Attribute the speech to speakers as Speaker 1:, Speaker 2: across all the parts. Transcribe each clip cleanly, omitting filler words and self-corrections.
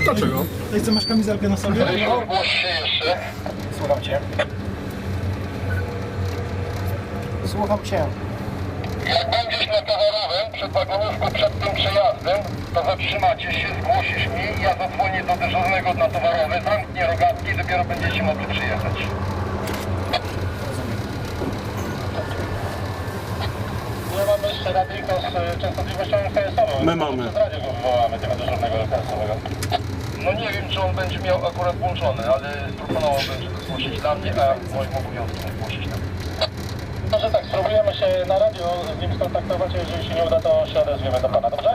Speaker 1: Dlaczego?
Speaker 2: Ej, co, masz kamizelkę na sobie?
Speaker 3: Ogłoś się jeszcze.
Speaker 4: Słucham cię. Słucham cię.
Speaker 3: Jak będziesz na towarowym przed wagonówką przed tym przejazdem, to zatrzymacie się, zgłosisz mi, ja zadzwonię do dyżurnego na towarowy, zamknie rogatki i dopiero będziecie mogli przyjechać. Nie mamy jeszcze radyjko z częstotliwością KS-ową.
Speaker 1: My mamy.
Speaker 3: Przez radio go wywołamy, tego dyżurnego KS-owego. No nie wiem, czy on będzie miał akurat włączony, ale proponowałbym, żeby zgłosić dla mnie, a moim obowiązkiem zgłosić tam. Może tak, spróbujemy się na radio z nim skontaktować, a jeżeli się nie uda, to się odezwiemy do pana, dobrze?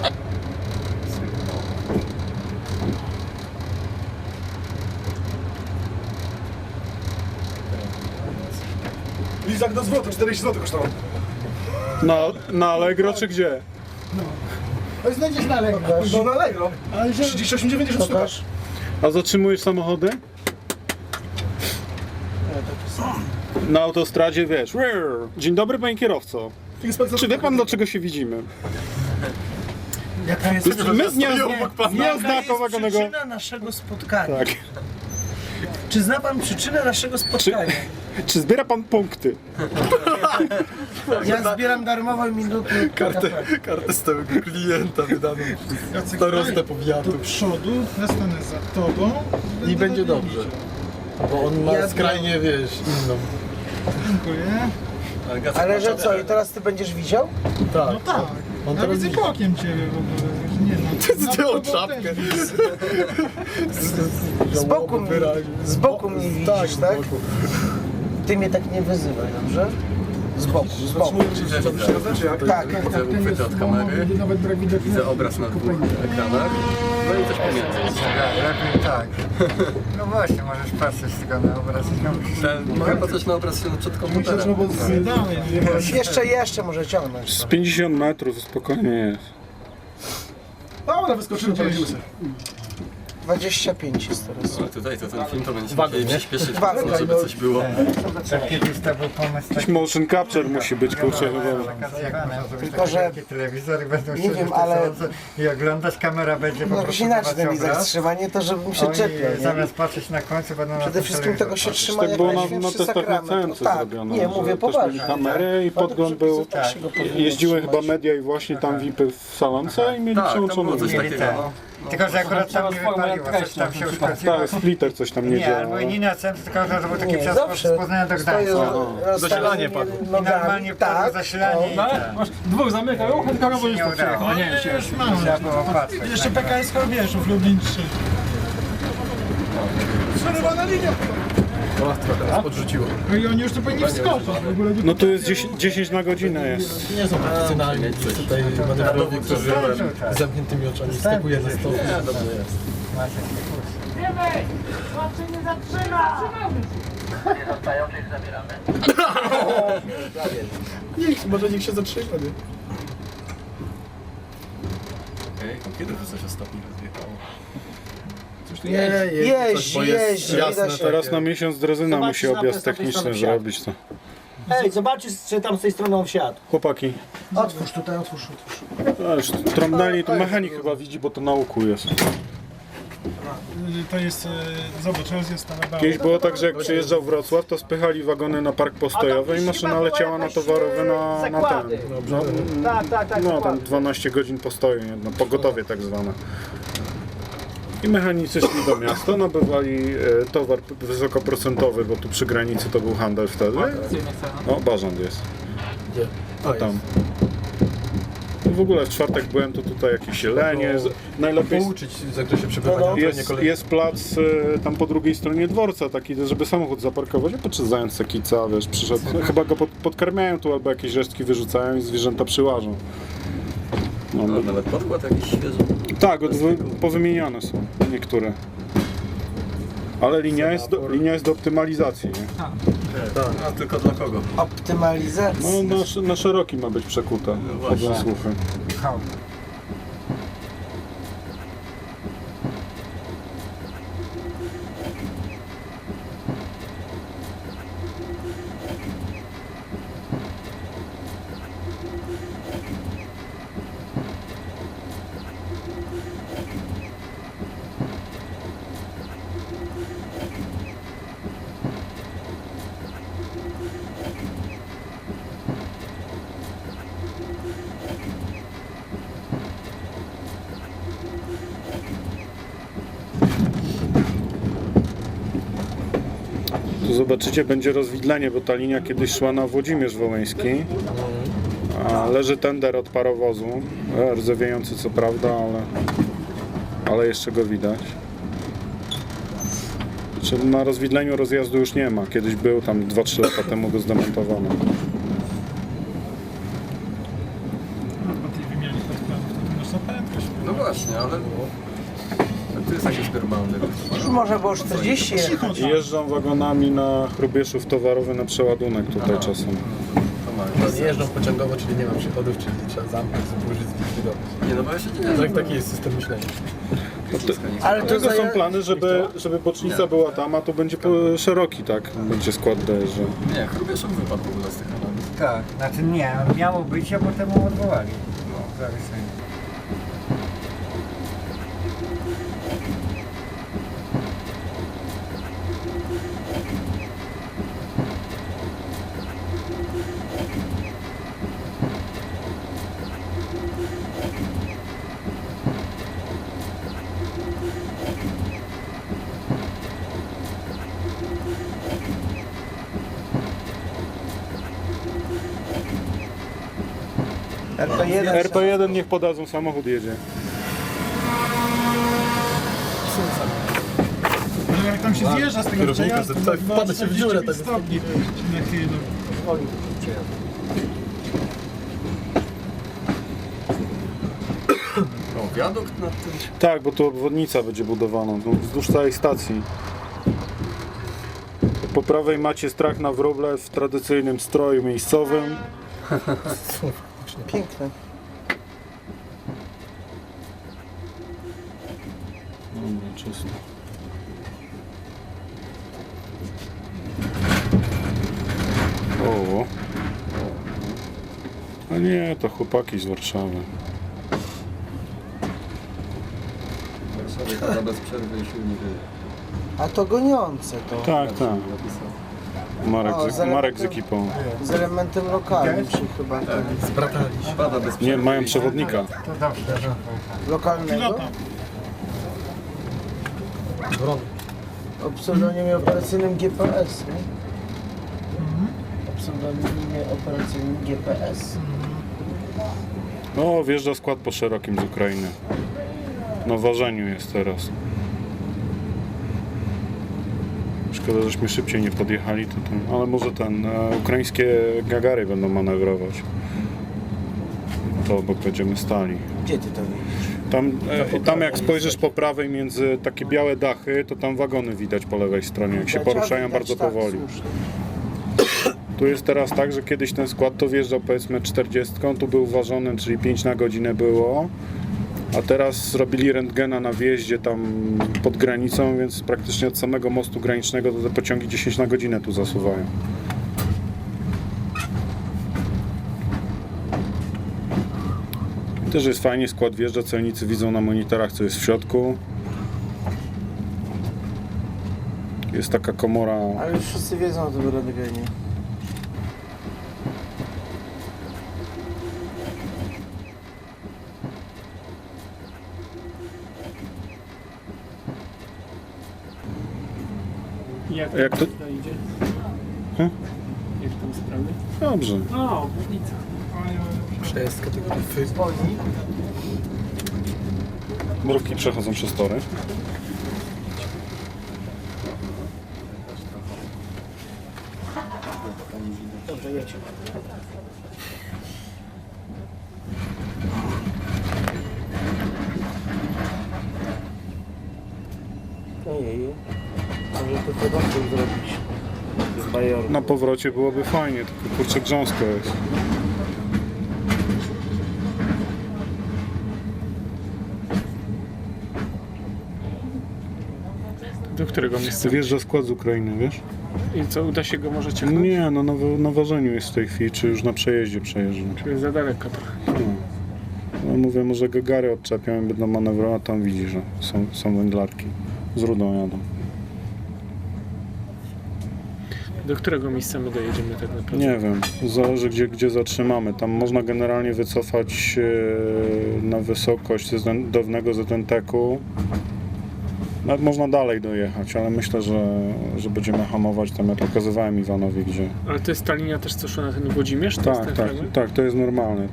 Speaker 2: Lizak do zwrotu, 40 zł kosztował.
Speaker 1: Na Allegro czy gdzie?
Speaker 2: Ale znajdziesz na Allegro. No na Allegro. Ale 38,90 sztuka.
Speaker 1: A zatrzymujesz samochody? Na autostradzie wiesz. Dzień dobry, panie kierowco. Czy wie pan, dlaczego się widzimy?
Speaker 4: Jaka jest
Speaker 1: My z Gniazda Wagonego.
Speaker 4: przyczyna naszego spotkania?
Speaker 1: Tak.
Speaker 4: Czy zna pan przyczynę naszego spotkania?
Speaker 1: Czy zbiera pan punkty?
Speaker 4: Ja zbieram darmowe minuty.
Speaker 5: Kartę stałego klienta wydaną przez starostę powiatu.
Speaker 2: Do przodu, ja stanę za tobą.
Speaker 5: I będzie dobrze. Bo on ma
Speaker 4: Ja
Speaker 5: skrajnie, wiesz, inną.
Speaker 2: Dziękuję.
Speaker 4: Ale że co, i teraz ty będziesz widział?
Speaker 5: Tak.
Speaker 2: No tak.
Speaker 5: On
Speaker 2: Ja
Speaker 5: teraz
Speaker 2: widzę
Speaker 5: widzi.
Speaker 2: bokiem ciebie w ogóle. Nie no.
Speaker 5: Zdjął
Speaker 2: Na
Speaker 5: czapkę.
Speaker 2: też widzę.
Speaker 4: Z boku mnie, z boku mnie widzisz, tak? Ty mnie tak nie wyzywaj, dobrze? Z boku, z boku. Tak.
Speaker 6: Widzę uchwyty od kamery,
Speaker 2: Nawet brak widoku.
Speaker 6: widzę obraz na dwóch ekranach, no i coś pomiędzy.
Speaker 7: Lepiej tak. No właśnie, możesz patrzeć tylko na obraz i
Speaker 6: Mogę patrzeć na obraz przed komputerem.
Speaker 2: Dalej.
Speaker 4: Jeszcze może ciągnąć.
Speaker 1: Z 50 metrów spokojnie jest.
Speaker 2: Dobra, wyskoczymy, poradzimy sobie.
Speaker 4: 25 jest teraz.
Speaker 6: Ale tutaj to ten film to będzie musieli przyspieszyć mocno, żeby coś było.
Speaker 7: kiedyś to był pomysł
Speaker 1: Jakiś motion capture musi być, kurczę, chyba.
Speaker 4: Tylko, że
Speaker 7: telewizory będą
Speaker 4: nie wiem, ale
Speaker 7: i oglądać, kamera będzie po
Speaker 4: no
Speaker 7: prostu
Speaker 4: inaczej ten
Speaker 7: dawać
Speaker 4: ich
Speaker 7: obraz.
Speaker 4: zatrzymanie, to żebym się
Speaker 7: Oni
Speaker 4: czepiał, nie?
Speaker 7: zamiast patrzeć na końcu będą na
Speaker 4: Przede
Speaker 7: tym
Speaker 4: wszystkim tego się
Speaker 7: telewizorze
Speaker 4: trzyma
Speaker 1: Tak
Speaker 4: jak
Speaker 1: było na
Speaker 4: najświętszy
Speaker 1: testach na
Speaker 4: sakrament.
Speaker 1: CNC
Speaker 4: Tak,
Speaker 1: zrobione.
Speaker 4: nie,
Speaker 1: że
Speaker 4: mówię
Speaker 1: też mieli
Speaker 4: poważnie.
Speaker 1: kamerę i podgląd był. Jeździły chyba media i właśnie tam VIPy w salonce i mieli
Speaker 6: Tak, tam
Speaker 1: przełączone.
Speaker 6: było coś
Speaker 7: Mieli
Speaker 6: takiego.
Speaker 7: ten.
Speaker 6: No.
Speaker 7: Tylko, że akurat tam nie wypaliło, coś tam się uszkodziło.
Speaker 1: Tak, splitter coś tam nie
Speaker 7: Nie,
Speaker 1: działa.
Speaker 7: albo nie na centrum, tylko że to był taki
Speaker 4: Nie,
Speaker 7: przejazd
Speaker 4: zawsze
Speaker 7: z Poznania do
Speaker 4: stoję
Speaker 7: Gdańska.
Speaker 5: Zasilanie padło.
Speaker 7: I normalnie padło zasilanie i ten.
Speaker 2: Dwóch zamykają, tylko robo już
Speaker 7: Nie udało.
Speaker 2: O nie, już mam.
Speaker 7: Trzeba było patrzeć.
Speaker 2: Jeszcze PKS Chorbieszów, Lublin 3. Przerywana linia.
Speaker 5: O, trochę nas podrzuciło.
Speaker 2: No i oni już tu powinni wskoczyć. W ogóle nie
Speaker 1: No tu jest 10 na godzinę jest.
Speaker 5: Nie są profesjonalni. Tutaj manewrowie, którzy z zamkniętymi oczami skakuje na stół. Dobrze jest.
Speaker 3: Nie zostają, czyli zabieramy.
Speaker 5: Może niech się zatrzyma, nie?
Speaker 6: Okej, kiedy to coś ostatnio rozjechało?
Speaker 4: Jeździ,
Speaker 5: jasne,
Speaker 4: widać.
Speaker 1: Teraz na miesiąc drezyna musi objazd techniczny zrobić to.
Speaker 8: Ej, zobaczysz, czy tam z tej strony on wsiadł.
Speaker 1: Chłopaki,
Speaker 4: Otwórz tutaj, otwórz.
Speaker 1: a już trąbnęli, to mechanik chyba widzi, bo to na łuku jest.
Speaker 2: To jest, zobacz, jest tam na
Speaker 1: Kiedyś było tak, że jak przyjeżdżał Wrocław, to spychali wagony na park postojowy i maszyna leciała na towarowy na ten.
Speaker 8: Tak,
Speaker 1: No tam 12 godzin postoju, nie? No, pogotowie tak zwane. I mechanicy szli do miasta, nabywali towar wysokoprocentowy, bo tu przy granicy to był handel wtedy. O, Bażant jest.
Speaker 5: Gdzie?
Speaker 1: A tam. I w ogóle w czwartek byłem, to tutaj jakieś jelenie. Najlepiej
Speaker 5: Pouczyć w zakresie przebywania.
Speaker 1: jest plac tam po drugiej stronie dworca taki, żeby samochód zaparkować, a podczas zając kica, wiesz, przyszedł. Chyba go podkarmiają tu albo jakieś resztki wyrzucają i zwierzęta przyłażą. No,
Speaker 6: No, nawet podkład jakiś świeży.
Speaker 1: tak, powymieniane są niektóre. Ale linia jest do optymalizacji, nie?
Speaker 6: A tylko dla kogo?
Speaker 4: Optymalizacja.
Speaker 1: No na szeroki ma być przekuta, chodzą słuchy. Tu zobaczycie, będzie rozwidlenie, bo ta linia kiedyś szła na Włodzimierz Wołyński. A leży tender od parowozu, rdzewiejący co prawda, ale jeszcze go widać. Znaczy, na rozwidleniu rozjazdu już nie ma. Kiedyś był, tam 2-3 lata temu go zdemontowano.
Speaker 6: No właśnie, ale to jest jakiś normalny.
Speaker 4: Można było 40 jechać.
Speaker 1: Jeżdżą wagonami na Hrubieszów towarowy na przeładunek tutaj czasem.
Speaker 5: Nie jeżdżą pociągowo, czyli nie ma przychodów, czyli trzeba zamknąć, zużyć, zlikwidować.
Speaker 6: Nie, no bo ja się nie
Speaker 5: Tak, taki jest system myślenia.
Speaker 4: Ale to
Speaker 1: Dlatego są plany, żeby bocznica była tam, a to będzie szeroki, tak? Będzie skład dojeżdżał.
Speaker 6: Nie, Hrubieszów wypadł w ogóle z tych analiz.
Speaker 7: Tak, znaczy nie, miało być, a potem mu odwołali. No, zawieszenie.
Speaker 4: RP1.
Speaker 1: RP1 niech podadzą, samochód jedzie.
Speaker 2: Jak tam się zjeżdża z tego
Speaker 5: Kierownika,
Speaker 2: przejazdu,
Speaker 5: tak, wpada się w dziurę, tak.
Speaker 2: stopni.
Speaker 6: O, wiadukt nad tym.
Speaker 1: Tak, bo tu obwodnica będzie budowana wzdłuż całej stacji. Po prawej macie strach na wróble w tradycyjnym stroju miejscowym.
Speaker 4: Piękne.
Speaker 1: Dobra, czysto. O. A nie, to chłopaki z Warszawy.
Speaker 6: Warszawie bez przerwy i silnik.
Speaker 4: A to goniące to.
Speaker 1: Tak, tak. Marek,
Speaker 4: O, z
Speaker 1: Marek z
Speaker 4: elementem-
Speaker 1: ekipą.
Speaker 4: Z elementem lokalnym, czy chyba
Speaker 5: Zbratali się.
Speaker 6: Pada bez przerwy.
Speaker 1: Nie, mają przewodnika.
Speaker 7: To dobrze.
Speaker 4: lokalnego.
Speaker 5: Wron.
Speaker 4: O pseudonimie operacyjnym GPS, nie? O pseudonimie operacyjnym GPS.
Speaker 1: No, wjeżdża skład po szerokim z Ukrainy. Na ważeniu jest teraz. Szkoda, żeśmy szybciej nie podjechali, ale może ukraińskie Gagary będą manewrować. To obok będziemy stali.
Speaker 4: Gdzie ty to widzisz?
Speaker 1: Tam jak spojrzysz po prawej między takie białe dachy, to tam wagony widać po lewej stronie, jak się poruszają bardzo
Speaker 4: tak,
Speaker 1: powoli.
Speaker 4: słusznie.
Speaker 1: Tu jest teraz tak, że kiedyś ten skład to wjeżdżał powiedzmy 40, tu był ważony, czyli 5 na godzinę było, a teraz zrobili rentgena na wjeździe tam pod granicą, więc praktycznie od samego mostu granicznego to te pociągi 10 na godzinę tu zasuwają. I też jest fajnie, skład wjeżdża, celnicy widzą na monitorach, co jest w środku. Jest taka komora.
Speaker 4: Ale już wszyscy wiedzą o tym rentgenie.
Speaker 1: Jak to?
Speaker 8: idzie?
Speaker 1: Hmm?
Speaker 8: Jak tam sprawy?
Speaker 1: Dobrze.
Speaker 8: O, obwodnica.
Speaker 5: Przejazdka tego
Speaker 4: Zwolni.
Speaker 1: Mrówki przechodzą przez tory.
Speaker 4: Dobrze, jedź. Ojej. Może to podobnie zrobić. Z Bajorku.
Speaker 1: Na powrocie byłoby fajnie, tylko kurczę grząsko jest.
Speaker 8: Do którego miejsca?
Speaker 1: Wjeżdża skład z Ukrainy, wiesz?
Speaker 8: I co, uda się go może ciągnąć?
Speaker 1: Nie, no na ważeniu jest w tej chwili, czy już na przejeździe przejeżdża.
Speaker 8: Czyli za daleko trochę.
Speaker 1: No mówię, może Gagary odczepią i będą manewrować, a tam widzi, że są węglarki. Z rudą jadą.
Speaker 8: Do którego miejsca my dojedziemy tak naprawdę?
Speaker 1: Nie wiem, zależy gdzie zatrzymamy. Tam można generalnie wycofać na wysokość dawnego ZNT-ku Nawet można dalej dojechać, ale myślę, że będziemy hamować tam, jak pokazywałem Iwanowi, gdzie...
Speaker 8: Ale to jest ta linia też, co szła na ten Włodzimierz? To jest
Speaker 1: Tak,
Speaker 8: ten
Speaker 1: tak,
Speaker 8: fragment?
Speaker 1: tak, to jest normalne.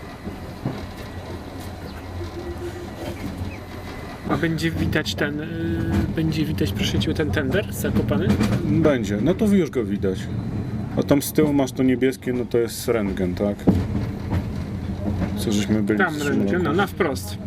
Speaker 8: A będzie widać będzie widać, proszę cię, ten tender zakopany?
Speaker 1: Będzie, no to już go widać. A tam z tyłu masz to niebieskie, no to jest rentgen, tak? Co żeśmy byli
Speaker 8: Tam
Speaker 1: z
Speaker 8: rentgen,
Speaker 1: Szymloką.
Speaker 8: no na wprost.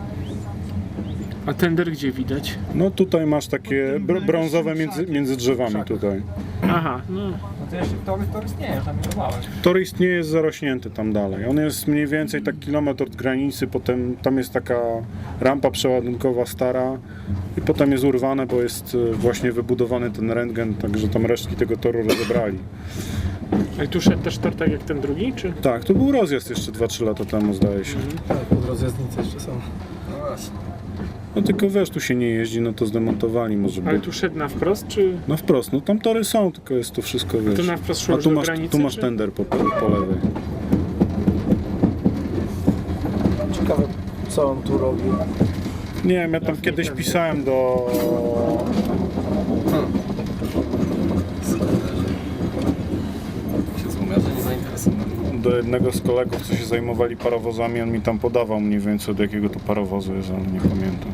Speaker 8: A tender gdzie widać?
Speaker 1: No tutaj masz takie brązowe między drzewami tutaj.
Speaker 8: Aha, no.
Speaker 6: No to jeszcze tor istnieje, tam nie bałeś.
Speaker 1: Tor istnieje, jest zarośnięty tam dalej. On jest mniej więcej tak kilometr od granicy, potem tam jest taka rampa przeładunkowa stara i potem jest urwane, bo jest właśnie wybudowany ten rentgen, także tam resztki tego toru rozebrali.
Speaker 8: A i tu szedł też tor tak jak ten drugi, czy?
Speaker 1: Tak, to był rozjazd jeszcze 2-3 lata temu, zdaje się.
Speaker 5: Tak, pod rozjazdnicę jeszcze są.
Speaker 6: No właśnie.
Speaker 1: No tylko wiesz, tu się nie jeździ, no to zdemontowali może
Speaker 8: Ale
Speaker 1: by.
Speaker 8: tu szedł na wprost, czy?
Speaker 1: No wprost, no tam tory są, tylko jest to wszystko, wiesz.
Speaker 8: To na wprost szło
Speaker 1: A
Speaker 8: już
Speaker 1: tu
Speaker 8: do
Speaker 1: masz,
Speaker 8: granicy,
Speaker 1: tu masz
Speaker 8: czy?
Speaker 1: tender po lewej.
Speaker 4: Ciekawe, co on tu robi.
Speaker 1: Nie wiem, ja tam kiedyś pisałem do...
Speaker 6: Się zgumiarze nie zainteresowani.
Speaker 1: do jednego z kolegów, co się zajmowali parowozami, on mi tam podawał mniej więcej od jakiego to parowozu jest, ale nie pamiętam.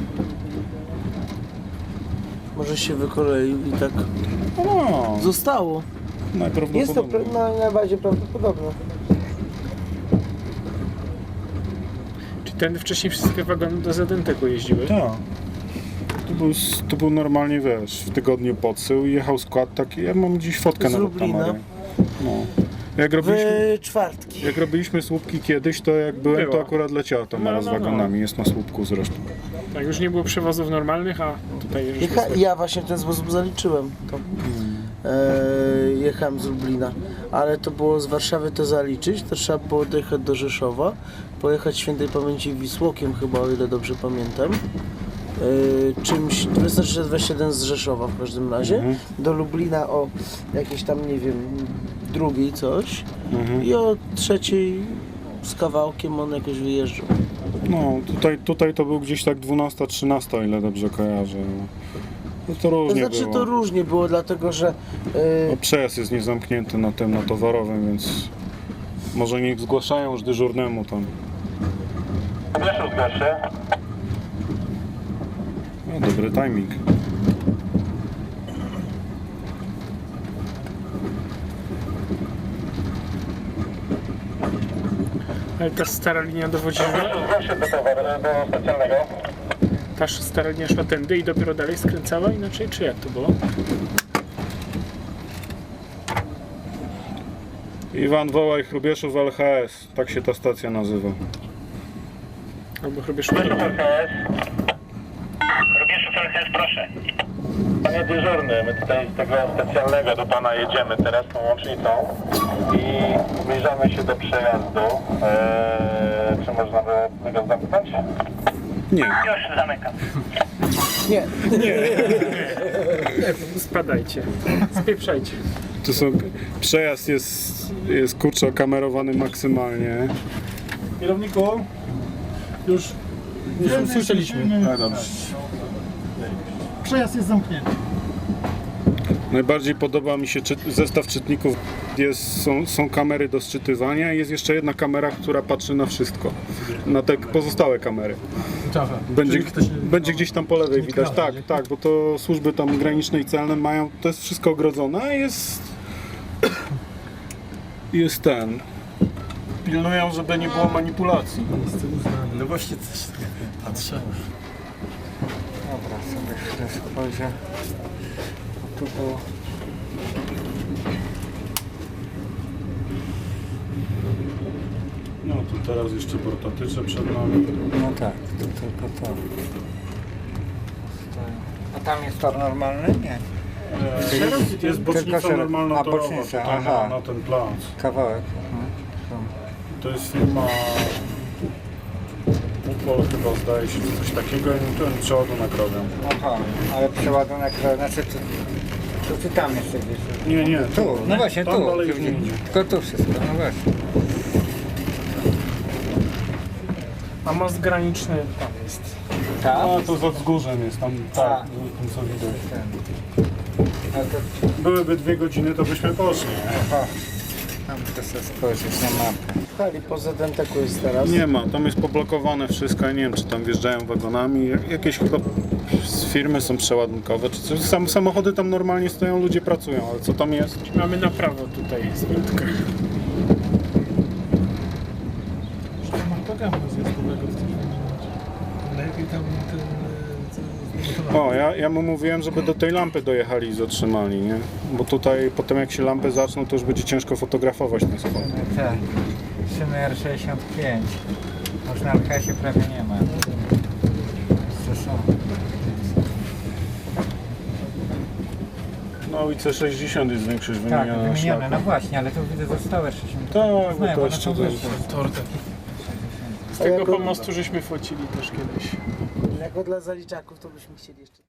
Speaker 4: Może się wykoleił i tak
Speaker 1: No,
Speaker 4: zostało. Jest to
Speaker 1: najprawdopodobniej.
Speaker 4: najbardziej prawdopodobne.
Speaker 8: Czy ten wcześniej wszystkie wagony do Zadenteku jeździły?
Speaker 1: Tak. To był normalnie, wiesz, w tygodniu podsył i jechał skład taki, ja mam dziś fotkę
Speaker 4: Z
Speaker 1: na
Speaker 4: Lublina?
Speaker 1: kamerę. No.
Speaker 4: W czwartki.
Speaker 1: Jak robiliśmy słupki kiedyś, to jak byłem,
Speaker 8: Było.
Speaker 1: to akurat leciała ta mara z
Speaker 8: No.
Speaker 1: wagonami, jest na słupku zresztą.
Speaker 8: Tak, już nie było przewozów normalnych, a tutaj już jest.
Speaker 4: Ja właśnie w ten sposób zaliczyłem to. Jechałem z Lublina, ale to było z Warszawy to zaliczyć, to trzeba było dojechać do Rzeszowa, pojechać świętej pamięci Wisłokiem chyba, o ile dobrze pamiętam. Czymś 24-21 z Rzeszowa w każdym razie, do Lublina o jakieś tam, nie wiem, drugiej coś i o trzeciej z kawałkiem on jakoś wyjeżdżał.
Speaker 1: No, tutaj to był gdzieś tak 12-13, o ile dobrze kojarzę. No to
Speaker 4: To
Speaker 1: różnie
Speaker 4: znaczy
Speaker 1: było.
Speaker 4: to różnie było, dlatego że
Speaker 1: No, przejazd jest niezamknięty na tym, na towarowym, więc może niech zgłaszają już dyżurnemu tam.
Speaker 3: Wiesz, zgłoś się.
Speaker 1: No, dobry timing.
Speaker 8: Ale ta stara linia dowodziła,
Speaker 3: Zgłoś się do towaru, do specjalnego.
Speaker 8: ta stara linia szła tędy i dopiero dalej skręcała inaczej, czy jak to było?
Speaker 1: Iwan, wołaj Hrubieszów LHS, tak się ta stacja nazywa.
Speaker 8: Albo chyba szło.
Speaker 3: Robisz LHS, proszę. Panie dyżurny, my tutaj z tego specjalnego do pana jedziemy teraz tą łącznicą i zbliżamy się do przejazdu. Czy można by go zamknąć?
Speaker 1: Nie.
Speaker 3: Już zamykam.
Speaker 4: nie,
Speaker 8: Spadajcie, spieprzajcie.
Speaker 1: To są, przejazd jest kurczę kamerowany maksymalnie.
Speaker 2: Kierowniku, już
Speaker 5: Słyszeliśmy.
Speaker 2: przejazd jest zamknięty.
Speaker 1: Najbardziej podoba mi się zestaw czytników. Są kamery do sczytywania i jest jeszcze jedna kamera, która patrzy na wszystko. Na te pozostałe kamery.
Speaker 5: Aha.
Speaker 1: Będzie gdzieś tam po lewej
Speaker 5: nie
Speaker 1: widać.
Speaker 5: kradnie,
Speaker 1: Tak,
Speaker 5: nie?
Speaker 1: tak, bo to służby tam graniczne i celne mają, to jest wszystko ogrodzone, a jest ten. Pilnują, żeby nie było manipulacji.
Speaker 5: Miejsce uznane.
Speaker 6: No właśnie coś patrzę.
Speaker 4: Dobra, sobie chwilę spojrzę. Tu było.
Speaker 1: No to teraz jeszcze portatycze przed nami.
Speaker 7: No tak, to tylko to. A tam jest tor normalny? Nie.
Speaker 1: Jest bocznica
Speaker 7: szereg.
Speaker 1: normalna
Speaker 7: A,
Speaker 1: torowa
Speaker 7: bocznica,
Speaker 1: tutaj
Speaker 7: aha.
Speaker 1: na ten plac.
Speaker 7: Kawałek.
Speaker 1: To jest firma Upol chyba, zdaje się, coś takiego i ten przeładunek robią.
Speaker 7: Aha, ale przeładunek, znaczy to tam jeszcze gdzieś.
Speaker 1: Nie,
Speaker 7: Tu, no właśnie
Speaker 1: tam
Speaker 7: tu.
Speaker 1: dalej już nie idzie.
Speaker 7: Tylko tu wszystko, no właśnie.
Speaker 8: A most graniczny tam jest.
Speaker 1: A to za wzgórzem jest, tam tak, tym co widać. Byłyby 2 godziny, to byśmy poszli.
Speaker 7: Tam to sobie spojrzeć na mapę.
Speaker 4: W hali poza Denteku jest teraz.
Speaker 1: Nie ma, tam jest poblokowane wszystko, ja nie wiem czy tam wjeżdżają wagonami, jakieś chyba z firmy są przeładunkowe, czy coś. Samochody tam normalnie stoją, ludzie pracują, ale co tam jest?
Speaker 8: Mamy na prawo tutaj zwrotkę.
Speaker 5: Programu związkowego w tym lepiej tam ten...
Speaker 1: O, ja mu mówiłem, żeby do tej lampy dojechali i zatrzymali, nie? Bo tutaj potem jak się lampy zaczną, to już będzie ciężko fotografować ten spot.
Speaker 7: Tak. Szyny R65. Już na LHS-ie prawie nie ma. Co są?
Speaker 1: No i C60 jest większość
Speaker 7: Tak,
Speaker 1: wymieniona na
Speaker 7: wymienione,
Speaker 1: szlaku.
Speaker 7: no właśnie, ale to widzę zostałe 60.
Speaker 1: Tak, bo
Speaker 7: Znają,
Speaker 1: to
Speaker 7: one
Speaker 1: jeszcze
Speaker 7: są
Speaker 1: to jest-
Speaker 7: wyższe.
Speaker 5: Tor taki.
Speaker 8: Z tego pomostu żeśmy focili też kiedyś.
Speaker 4: Jako dla zaliczaków to byśmy chcieli jeszcze.